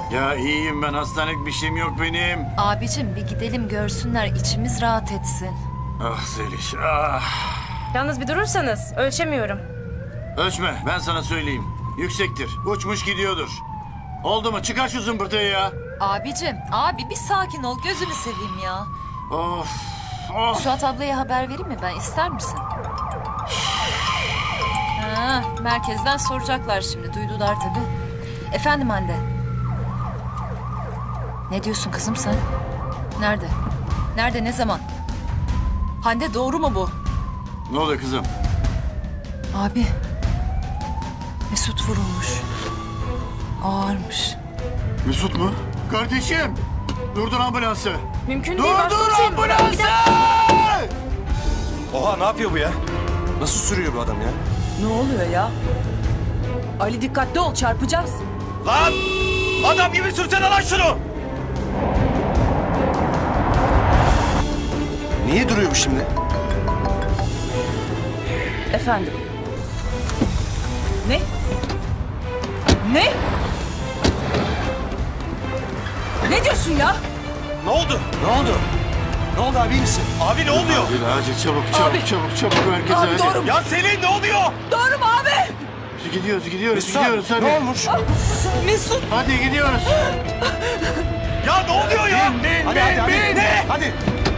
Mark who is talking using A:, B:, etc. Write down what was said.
A: Ya iyiyim ben, hastanelik bir şeyim yok benim.
B: Abicim bir gidelim görsünler, içimiz rahat etsin.
A: Ah Zeliş, ah.
C: Yalnız bir durursanız ölçemiyorum.
A: Ölçme, ben sana söyleyeyim. Yüksektir, uçmuş gidiyordur. Oldu mu? Çıkar şu zımbırtıyı ya.
B: Abicim, abi bir sakin ol, gözünü seveyim ya.
A: Of, of.
B: Suat ablaya haber vereyim mi ben, ister misin? Ha, merkezden soracaklar şimdi, duydular tabii. Efendim Hande. Ne diyorsun kızım sen? Nerede? Nerede, ne zaman? Hande doğru mu bu?
A: Ne oluyor kızım?
B: Abi. Mesut vurulmuş. Ağırmış.
A: Mesut mu? Kardeşim! Durdur ambulansı!
C: Mümkün değil
A: Durdur
C: başkomiserim.
A: ambulansı!
D: Oha, ne yapıyor bu ya? Nasıl sürüyor bu adam ya?
E: Ne oluyor ya? Ali dikkatli ol, çarpacağız.
D: Lan! Adam gibi sürsene lan şunu! Niye duruyor bu şimdi?
E: Efendim. Ne? Ne? Ne diyorsun ya?
D: Ne oldu? Ne oldu? Ne oldu abi, iyi misin? Abi ne oluyor?
A: Acil çabuk
E: Abi.
A: çabuk merkeze
E: Abi
A: hadi.
E: doğru mu?
D: Ya Selin ne oluyor?
E: Doğru mu abi?
A: Gidiyoruz hadi.
D: Ne olmuş?
E: Mesut.
A: Hadi gidiyoruz.
D: Ya ne oluyor ya?
A: Bin,
D: Hadi hadi hadi.
A: bin.
D: Ne? Hadi.